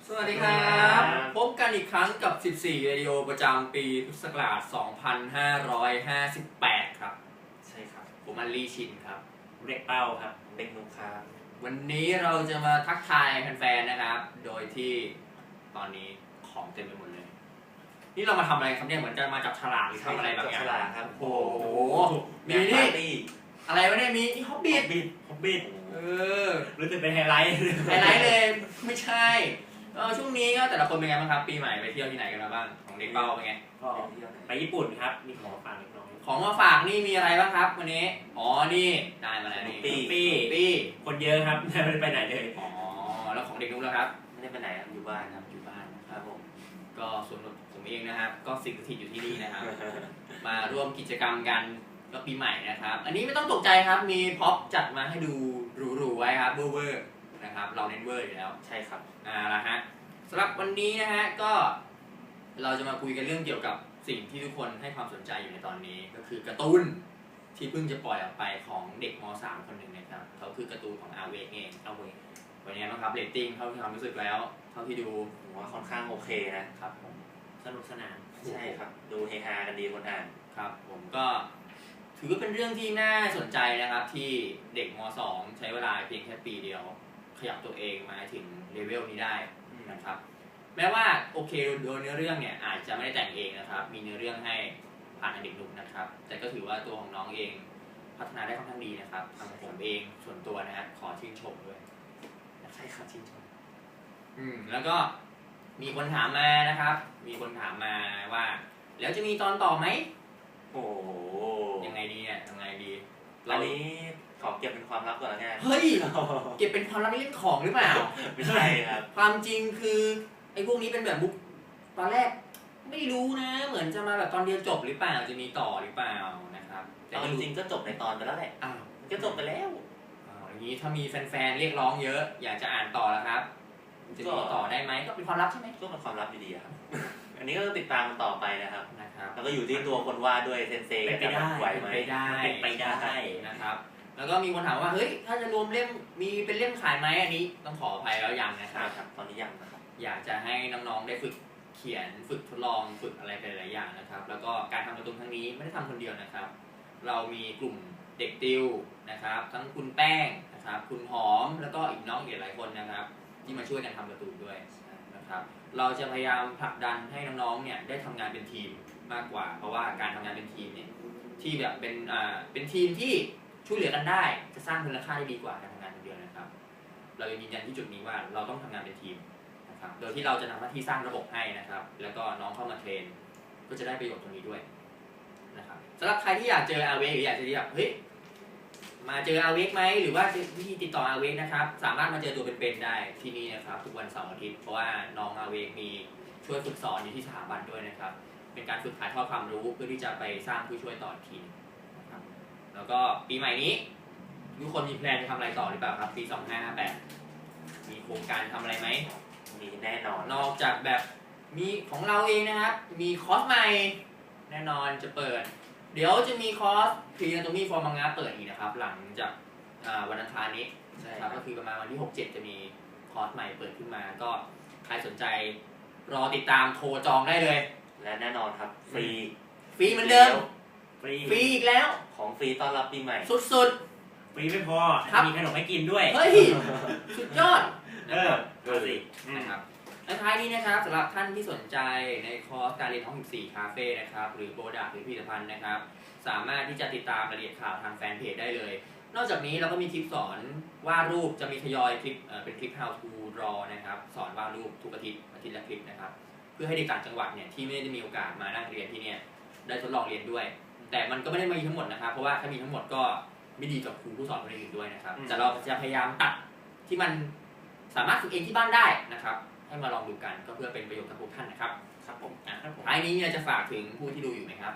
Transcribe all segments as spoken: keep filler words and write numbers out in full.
สวัสดีครับพบกันอีกครั้งกับสิบสี่เรดิโอประจำปีพุทธศักราชสองพันห้าร้อยห้าสิบแปดครับใช่ครับผมอัลลี่ชินครับเด็กเป้าครับเด็กนุกครับวันนี้เราจะมาทักทายแฟนๆนะครับโดยที่ตอนนี้ของเต็มไปหมดเลยนี่เรามาทำอะไรครับเนี่ยเหมือนจะมาจับฉลากหรือทำอะไรแบบนี้ฉลากครับโอ้โหมีนี่อะไรวะเนี่ยมีนี่ฮอบบิทบิทฮอบบิทเออรู้สึกเป็นไฮไลท์ไฮไลท์เลยไม่ใช่เออช่วงนี้ก็แต่ละคนเป็นไงบ้างครับปีใหม่ไปเที่ยวที่ไหนกันมาบ้างของเด็กเป้าเป็นไงก็ไปญี่ปุ่นครับมีของมาฝากเล็กน้อยของมาฝากนี่มีอะไรบ้างครับวันนี้อ๋อนี่ได้มาแล้วนี่ปีปีคนเยอะครับไม่ได้ไปไหนเลยอ๋อแล้วของเด็กนุ๊กแล้วครับไม่ได้ไปไหนครับอยู่บ้านครับอยู่บ้านครับผมก็ส่วนผมเองนะครับก็สิ่งสถิตอยู่ที่นี่นะครับมาร่วมกิจกรรมกันก็ปีใหม่นะครับอันนี้ไม่ต้องตกใจครับมีพ็อปจัดมาให้ดูหรูๆไว้ครับเวอร์ๆนะครับเราเน้นเวอร์อยู่แล้วใช่ครับอ่าละฮะสำหรับวันนี้นะฮะก็เราจะมาคุยกันเรื่องเกี่ยวกับสิ่งที่ทุกคนให้ความสนใจอยู่ในตอนนี้ก็คือการ์ตูนที่เพิ่งจะปล่อยออกไปของเด็กม .สาม คนหนึ่งนะครับเขาคือการ์ตูนของอาเวกเองอาเวกวันนี้นะครับเรตติ้งเท่าที่ความรู้สึกแล้วเท่าที่ดูผมว่าค่อนข้างโอเคนะครับผมสนุกสนานใช่ครับดูเฮฮากันดีคนอ่านครับผมก็ถือว่าเป็นเรื่องที่น่าสนใจนะครับที่เด็กม .สอง ใช้เวลาเพียงแค่ปีเดียวขยับตัวเองมาถึงเลเวลนี้ได้นะครับแม้ว่าโอเคโดยเนื้อเรื่องเนี่ยอาจจะไม่ได้แต่งเองนะครับมีเนื้อเรื่องให้ผ่านเด็กหนุ่มนะครับแต่ก็ถือว่าตัวของน้องเองพัฒนาได้ค่อนข้างดีนะครับทางผมเองส่วนตัวนะฮะขอชื่นชมด้วยใช่ครับชื่นชมอืมแล้วก็มีคนถามมานะครับมีคนถามมาว่าแล้วจะมีตอนต่อไหมโอ้ยังไงดีเนี่ยยังไงดีอันนี้ขอเก็บเป็นความลับก่อนละกันเฮ้ยเก็บเป็นความลับเล่นของหรือเปล่าไม่ใช่ครับความจริงคือไอ้พวกนี้เป็นแบบบุ๊กตอนแรกไม่รู้นะเหมือนจะมาแบบตอนเดียวจบหรือเปล่าจะมีต่อหรือเปล่านะครับแต่จริงๆก็จบในตอนไปแล้วแหละอ้าวก็จบไปแล้วอ้าวอย่างนี้ถ้ามีแฟนๆเรียกร้องเยอะอยากจะอ่านต่อแล้วครับจะมีต่อได้ไหมก็เป็นความลับใช่ไหมก็เป็นความลับอยู่ดีครับอันนี้ก็ติดตามมันต่อไปนะครับนะครับแล้วก็อยู่ที่ตัวคนวาดด้วยเซนเซจะไหวไหมไปได้ไปได้นะครับแล้วก็มีคนถามว่าเฮ้ยถ้าจะรวมเล่มมีเป็นเล่มขายไหมอันนี้ต้องขออภัยแล้วยังนะครับตอนนี้ยังนะครับอยากจะให้น้องๆได้ฝึกเขียนฝึกทดลองฝึกอะไรหลายๆอย่างนะครับแล้วก็การทำการ์ตูนครั้งนี้ไม่ได้ทำคนเดียวนะครับเรามีกลุ่มเด็กติวนะครับทั้งคุณแป้งนะครับคุณหอมแล้วก็อีกน้องอีกหลายคนนะครับที่มาช่วยกันทำการ์ตูนด้วยนะครับเราจะพยายามผลักดันให้น้องๆเนี่ยได้ทำงานเป็นทีมมากกว่าเพราะว่าการทำงานเป็นทีมเนี่ยที่แบบเป็นอ่าเป็นทีมที่ช่วยเหลือกันได้จะสร้างมูลค่าได้ดีกว่าการทำงานคนเดียวนะครับเรายืนยันที่จุดนี้ว่าเราต้องทำงานเป็นทีมนะครับโดยที่เราจะทำหน้าที่สร้างระบบให้นะครับแล้วก็น้องเข้ามาเทรนก็จะได้ประโยชน์ตรงนี้ด้วยนะครับสำหรับใครที่อยากเจออาเวกหรืออยากจะแบบเฮ้ยมาเจออาเวกไหมหรือว่าวิธีติดต่ออาเวกนะครับสามารถมาเจอตัวเป็นๆได้ที่นี่นะครับทุกวันเสาร์อาทิตย์เพราะว่าน้องอาเวกมีช่วยฝึกสอนอยู่ที่สถาบันด้วยนะครับเป็นการฝึกถ่ายทอดความรู้เพื่อที่จะไปสร้างผู้ช่วยต่อทีนะครับแล้วก็ปีใหม่นี้ทุกคนมีแพลนจะทำอะไรต่อหรือเปล่าครับปีสองพันห้าร้อยห้าสิบแปดมีโครงการทำอะไรไหมมีแน่นอนนอกจากแบบมีของเราเองนะครับมีคอร์สใหม่แน่นอนจะเปิดเดี๋ยวจะมีคอร์สพรีแอนโตมีฟอร์มังงะเปิดอีกนะครับหลังจากวันอังคารนี้นะครับก็คือประมาณวันที่หก เจ็ดจะมีคอร์สใหม่เปิดขึ้นมาก็ใครสนใจรอติดตามโทรจองได้เลยและแน่นอนครับฟรีฟรีเหมือนเดิมฟรีฟรีอีกแล้วของฟรีต้อนรับปีใหม่สุดๆฟรีไม่พอมีขนมให้กินด้วยเฮ้ยสุดยอดเออดูสินะครับและท้ายนี้นะครับสำหรับท่านที่สนใจในคอร์สการเรียนท้องถิ่นสี่คาเฟ่นะครับหรือโปรดักต์หรือผลิตภัณฑ์นะครับสามารถที่จะติดตามรายละเอียดข่าวทางแฟนเพจได้เลยนอกจากนี้เราก็มีคลิปสอนวาดรูปจะมีทยอยคลิปเอ่อเป็นคลิป how to draw นะครับสอนวาดรูปทุกอาทิตย์อาทิตย์ละคลิปนะครับเพื่อให้เด็กต่างจังหวัดเนี่ยที่ไม่ได้มีโอกาสมานั่งเรียนที่เนี่ยได้ทดลองเรียนด้วยแต่มันก็ไม่ได้มีทั้งหมดนะครับเพราะว่าถ้ามีทั้งหมดก็ไม่ดีกับครูผู้สอนคนอื่นด้วยนะครับแต่เราจะพยายามตัดที่มันสามารถฝึกเองที่บ้านได้นะครับให้มาลองดูกันก็เพื่อเป็นประโยชน์กับทุกท่านนะครับครับผมท้ายนี้เนี่ยจะฝากถึงผู้ที่ดูอยู่ไหมครับ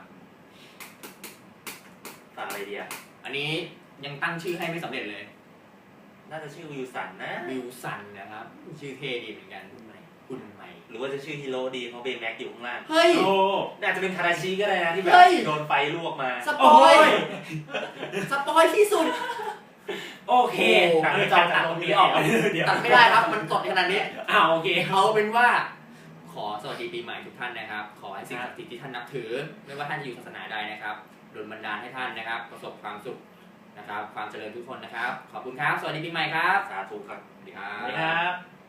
ฝากอะไรดีอ่ะอันนี้ยังตั้งชื่อให้ไม่สำเร็จเลยน่าจะชื่อวิวสันนะวิวสันนะครับชื่อเท่ดีเหมือนกันคุณใหม่คุณใหม่หรือว่าจะชื่อฮิโร่ดีเพราะเบย์แม็กอยู่ข้างล่างเฮ้ยโอ้น่าจะเป็นคาราชิก็ได้นะที่แบบโดนไฟลวกมาสปอยสปอยที่สุดโโอเคเออจอตัดตรงนี้ออกเดี๋ยวตัดไม่ได้ครับมันสดขนาดนี้อ้าวโอเคเอาเป็นว่าขอสวัสดีปีใหม่ทุกท่านนะครับขอให้สิ่งศักดิ์สิทธิ์ที่ท่านนับถือไม่ว่าท่านจะอยู่ศาสนาใดนะครับดลบันดาลให้ท่านนะครับประสบความสุขนะครับความเจริญทุกคนนะครับขอบคุณครับสวัสดีปีใหม่ครับสาธุครับสวัสดีครัสวัสดีบครับ